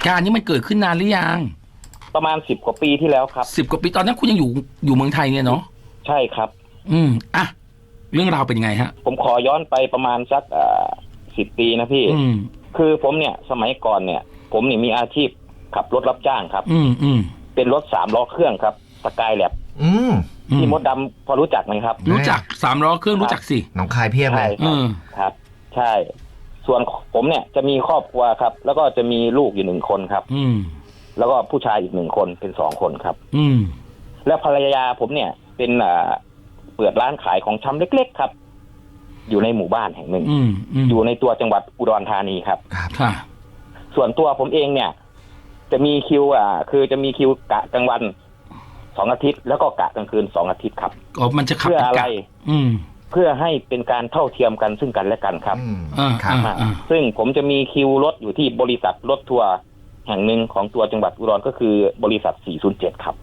การณ์นี้มันเกิดขึ้นนานหรือยังประมาณ10 กว่าปีที่แล้วครับ 10 กว่าปีตอนนั้นคุณยังอยู่เมืองไทยเนี่ยเนาะใช่ครับอ่ะเรื่องราวเป็นยังไงฮะผมขอย้อนไปประมาณสัก10 ปีนะพี่คือผมเนี่ยสมัยก่อนเนี่ยผมเนี่ยมีอาชีพขับรถรับจ้างครับเป็นรถ3 ล้อเครื่องครับสกายแลบที่มดดำพอรู้จักไหมครับรู้จัก3 ล้อเครื่องรู้จักสิหนองคายเพียบเลยครับใช่ส่วนผมเนี่ยจะมีครอบครัวครับแล้วก็จะมีลูกอยู่1 คนครับแล้วก็ผู้ชายอีก1 คนเป็น2 คนครับแล้วภรรยาผมเนี่ยเป็นเปิดร้านขายของชำเล็กๆครับอยู่ในหมู่บ้านแห่งหนึ่งอยู่ในตัวจังหวัดอุดรธานีครับส่วนตัวผมเองเนี่ยจะมีคิวคือจะมีคิวกะกลางวัน2 อาทิตย์แล้วก็กะกลางคืน2 อาทิตย์ครับมันจะขับเพื่ออะไรเพื่อให้เป็นการเท่าเทียมกันซึ่งกันและกันครับซึ่งผมจะมีคิวรถอยู่ที่บริษัทรถทัวร์แห่งหนึ่งของตัวจังหวัดอุดรก็คือบริษัท407ครับ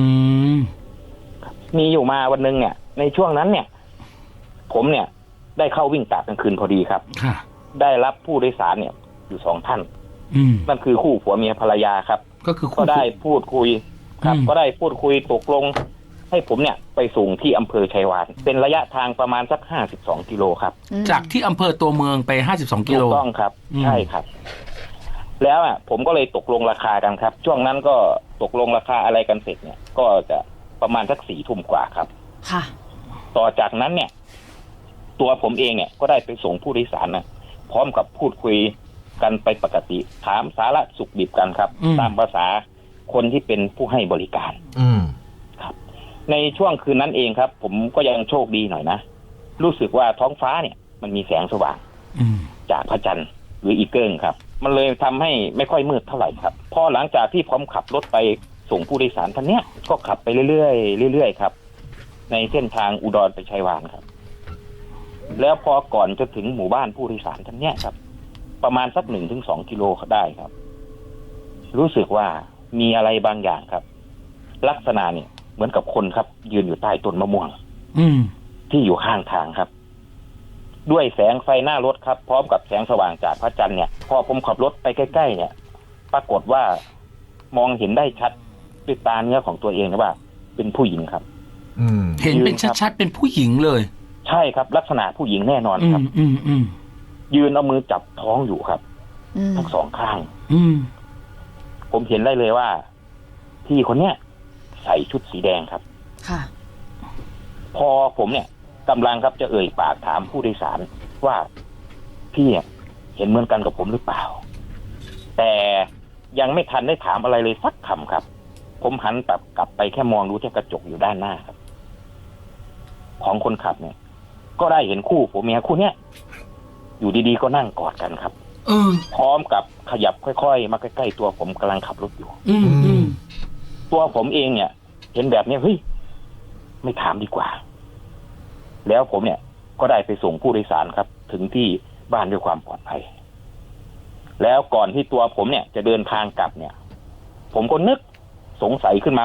มีอยู่มาวันนึงเนี่ยในช่วงนั้นเนี่ยผมเนี่ยได้เข้าวิ่งกะกลางคืนพอดีครับได้รับผู้โดยสารเนี่ยอยู่2 ท่านนั่นคือคู่ผัวเมียภรรยาครับก็ได้พูดคุยครับก็ได้พูดคุยตกลงให้ผมเนี่ยไปส่งที่อำเภอชัยวานเป็นระยะทางประมาณสัก52 กิโลครับจากที่อำเภอตัวเมืองไป52 กิโลถูกต้องครับใช่ครับแล้วผมก็เลยตกลงราคากันครับช่วงนั้นก็ตกลงราคาอะไรกันเสร็จเนี่ยก็จะประมาณสัก4 ทุ่มกว่าครับค่ะต่อจากนั้นเนี่ยตัวผมเองเนี่ยก็ได้ไปส่งผู้โดยสารนะพร้อมกับพูดคุยกันไปปกติถามสาระสุขดิบกันครับตามภาษาคนที่เป็นผู้ให้บริการครับในช่วงคืนนั้นเองครับผมก็ยังโชคดีหน่อยนะรู้สึกว่าท้องฟ้าเนี่ยมันมีแสงสว่างจากพระจันทร์หรืออีเกิลครับมันเลยทำให้ไม่ค่อยมืดเท่าไหร่ครับพอหลังจากที่ผมขับรถไปส่งผู้โดยสารท่านเนี้ยก็ขับไปเรื่อยๆครับในเส้นทางอุดรไปชัยวานครับแล้วพอก่อนจะถึงหมู่บ้านผู้โดยสารท่านเนี้ยครับประมาณสัก1-2 กิโลได้ครับรู้สึกว่ามีอะไรบางอย่างครับลักษณะเนี่ยเหมือนกับคนครับยืนอยู่ใต้ต้นมะม่วงที่อยู่ข้างทางครับด้วยแสงไฟหน้ารถครับพร้อมกับแสงสว่างจากพระจันทร์เนี่ยพอผมขับรถไปใกล้ๆเนี่ยปรากฏว่ามองเห็นได้ชัดด้วยตาเนื้อของตัวเองนะว่าเป็นผู้หญิงครับเห็นเป็นชัดๆเป็นผู้หญิงเลยใช่ครับลักษณะผู้หญิงแน่นอนครับยืนเอามือจับท้องอยู่ครับทั้ง2 ข้างผมเห็นได้เลยว่าพี่คนเนี้ยใส่ชุดสีแดงครับค่ะพอผมเนี่ยกำลังครับจะเอ่ยปากถามผู้โดยสารว่าพี่เห็นเหมือนกันกับผมหรือเปล่าแต่ยังไม่ทันได้ถามอะไรเลยสักคำครับผมหันกลับไปแค่มองดูที่กระจกอยู่ด้านหน้าครับของคนขับเนี่ยก็ได้เห็นคู่ผัวเมียคู่เนี้ยอยู่ดีๆก็นั่งกอดกันครับพร้อมกับขยับค่อยๆมาใกล้ๆตัวผมกำลังขับรถอยู่ตัวผมเองเนี่ยเห็นแบบนี้เฮ้ยไม่ถามดีกว่าแล้วผมเนี่ยก็ได้ไปส่งผู้โดยสารครับถึงที่บ้านด้วยความปลอดภัยแล้วก่อนที่ตัวผมเนี่ยจะเดินทางกลับเนี่ยผมก็นึกสงสัยขึ้นมา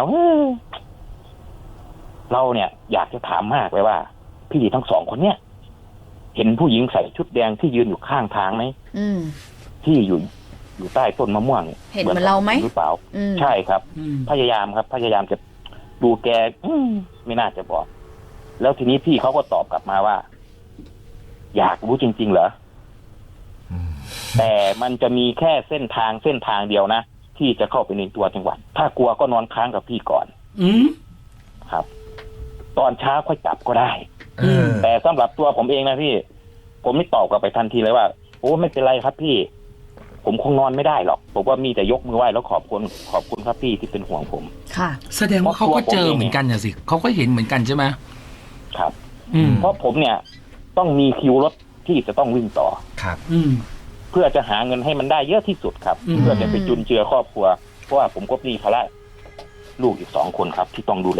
เราเนี่ยอยากจะถามมากเลยว่าพี่ทั้ง2 คนเนี่ยเห็นผู้หญิงใส่ชุดแดงที่ยืนอยู่ข้างทางไหมที่อยู่ใต้ต้นมะม่วงเห็นเหมือนเราไหมหรือเปล่าใช่ครับพยายามจะดูแกไม่น่าจะบอกแล้วทีนี้พี่เขาก็ตอบกลับมาว่าอยากรู้จริงๆเหรอแต่มันจะมีแค่เส้นทางเดียวนะที่จะเข้าไปในตัวจังหวัดถ้ากลัวก็นอนค้างกับพี่ก่อนครับตอนเช้าค่อยกลับก็ได้แต่สำหรับตัวผมเองนะพี่ผมไม่ตอบกลับไปทันทีเลยว่าโอ้ไม่เป็นไรครับพี่ผมคงนอนไม่ได้หรอกผมว่ามีแต่ยกมือไหว้แล้วขอบคุณครับพี่ที่เป็นห่วงผมค่ะแสดงว่าเขาก็เจอเหมือนกันน่ะสิเขาก็เห็นเหมือนกันใช่ไหมครับเพราะผมเนี่ยต้องมีคิวรถที่จะต้องวิ่งต่อครับเพื่อจะหาเงินให้มันได้เยอะที่สุดครับเพื่อจะไปจุนเจือครอบครัวเพราะว่าผมก็มีภาระลูกอีก2 คนครับที่ต้องดูแล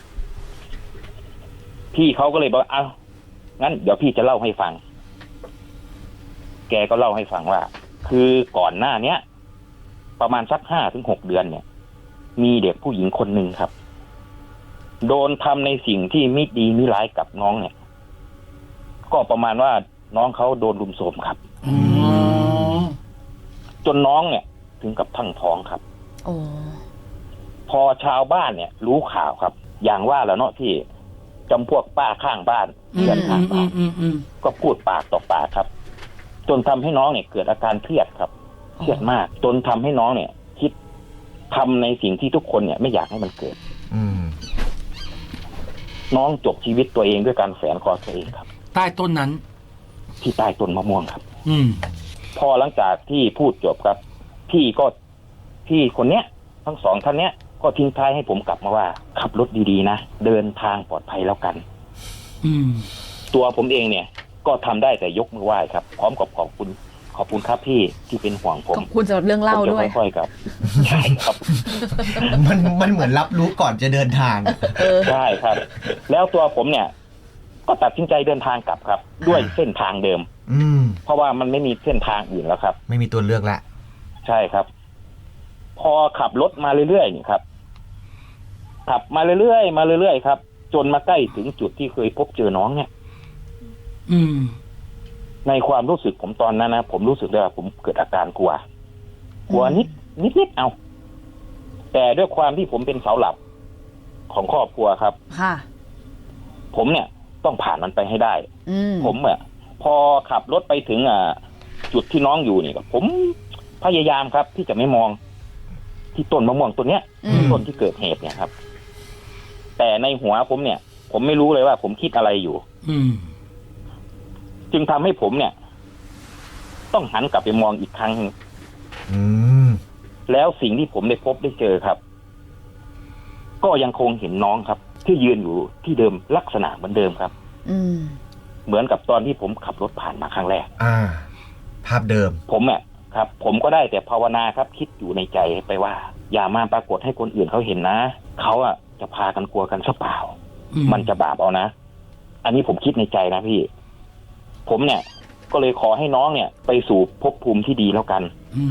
พี่เขาก็เลยบอกเอางั้นเดี๋ยวพี่จะเล่าให้ฟังแกก็เล่าให้ฟังว่าคือก่อนหน้าเนี้ยประมาณสัก5-6 เดือนเนี่ยมีเด็กผู้หญิงคนหนึ่งครับโดนทำในสิ่งที่ไม่ดีไม่ร้ายกับน้องเนี่ยก็ประมาณว่าน้องเขาโดนรุมโทรมครับจนน้องเนี่ยถึงกับทั้งท้องครับโอ้พอชาวบ้านเนี่ย รู้ข่าวครับ อย่างว่าแล้วเนาะที่จำพวกป้าข้างบ้านเพื่อนข้างบ้านก็พูดปากต่อปากครับ จนทำให้น้องเนี่ยเกิดอาการเครียดครับเครียดมากจนทำให้น้องเนี่ย คิดทำในสิ่งที่ทุกคนเนี่ยไม่อยากให้มันเกิดน้องจบชีวิตตัวเองด้วยการแฝงคอตัวเองครับใต้ต้นนั้นที่ใต้ต้นมะม่วงครับอืมพอหลังจากที่พูดจบครับพี่คนเนี้ยทั้งสองท่านเนี้ยก็ทิ้งท้ายให้ผมกลับมาว่าขับรถดีๆนะเดินทางปลอดภัยแล้วกันอืมตัวผมเองเนี่ย ก็ทำได้แต่ยกมือไหว้ครับ พร้อมกับขอบคุณครับพี่ที่เป็นห่วงผมขอบคุณสำหรับเรื่องเล่าด้วยผมจะค่อยๆครับใช่ครับมันเหมือนรับรู้ก่อนจะเดินทางใช่ครับ แล้วตัวผมเนี่ย ก็ตัดสินใจเดินทางกลับครับ ด้วยเส้นทางเดิม เพราะว่ามันไม่มีเส้นทางอื่นแล้วครับไม่มีตัวเลือกละใช่ครับ พอขับรถมาเรื่อยๆนี่ครับขับมาเรื่อยๆครับ จนมาใกล้ถึงจุดที่เคยพบเจอน้องเนี่ยอืมในความรู้สึกผมตอนนั้นนะผมรู้สึกได้ว่าผมเกิดอาการกลัวนิดเอา แต่ด้วยความที่ผมเป็นเสาหลักของครอบครัวครับค่ะผมเนี่ยต้องผ่านมันไปให้ได้ ผมพอขับรถไปถึงจุดที่น้องอยู่นี่ก็ผมพยายามครับ ที่จะไม่มองที่ต้นมะม่วงต้นเนี้ยต้นที่เกิดเหตุเนี่ยครับ แต่ในหัวผมเนี่ย ผมไม่รู้เลยว่าผมคิดอะไรอยู่ จึงทำให้ผมเนี่ย ต้องหันกลับไปมองอีกครั้งนึงแล้วสิ่งที่ผมได้พบได้เจอครับ ก็ยังคงเห็นน้องครับ ที่ยืนอยู่ที่เดิมลักษณะเหมือนเดิมครับเหมือนกับตอนที่ผมขับรถผ่านมาครั้งแรกภาพเดิมผมครับ ผมก็ได้แต่ภาวนาครับ คิดอยู่ในใจไปว่า อย่ามาปรากฏให้คนอื่นเขาเห็นนะเขาจะพากันกลัวกันซะเปล่ามันจะบาปเอานะอันนี้ผมคิดในใจนะพี่ผมเนี่ย ก็เลยขอให้น้องเนี่ย ไปสู่ภพภูมิที่ดีแล้วกัน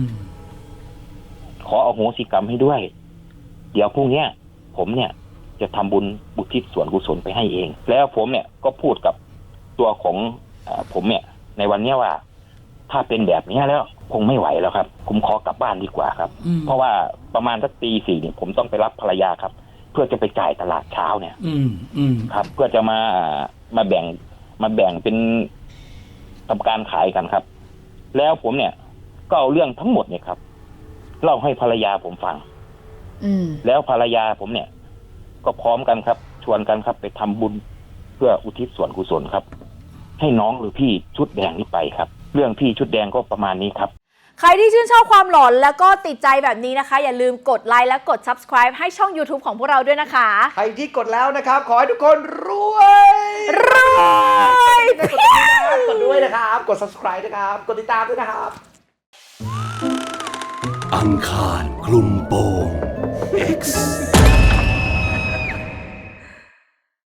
ขออโหสิกรรมให้ด้วยเดี๋ยวพรุ่งนี้ผมเนี่ยจะทำบุญบุทิศส่วนกุศลไปให้เองแล้วผมเนี่ยก็พูดกับตัวของผมเนี่ย ในวันนี้ว่าถ้าเป็นแบบนี้แล้วคงไม่ไหวแล้วครับผมขอกลับบ้านดีกว่าครับเพราะว่าประมาณสักตี 4เนี่ยผมต้องไปรับภรรยาครับ เพื่อจะไปจ่ายตลาดเช้าเนี่ยครับ เพื่อจะมาแบ่งเป็นทำการขายกันครับ แล้วผมเนี่ยก็เอาเรื่องทั้งหมดเนี่ยครับเล่าให้ภรรยาผมฟังแล้วภรรยาผมเนี่ย ก็พร้อมกันครับชวนกันครับไปทำบุญเพื่ออุทิศส่วนกุศลครับให้น้องหรือพี่ชุดแดงนี้ไปครับเรื่องพี่ชุดแดงก็ประมาณนี้ครับใครที่ชื่นชอบความหลอนแล้วก็ติดใจแบบนี้นะคะอย่าลืมกดไลค์และกด subscribe ให้ช่อง YouTube ของพวกเราด้วยนะคะใครที่กดแล้วนะครับขอให้ทุกคนรวยกดด้วยนะครับกด subscribe นะครับกดติดตามด้วยนะครับอังคารคลุมโปง X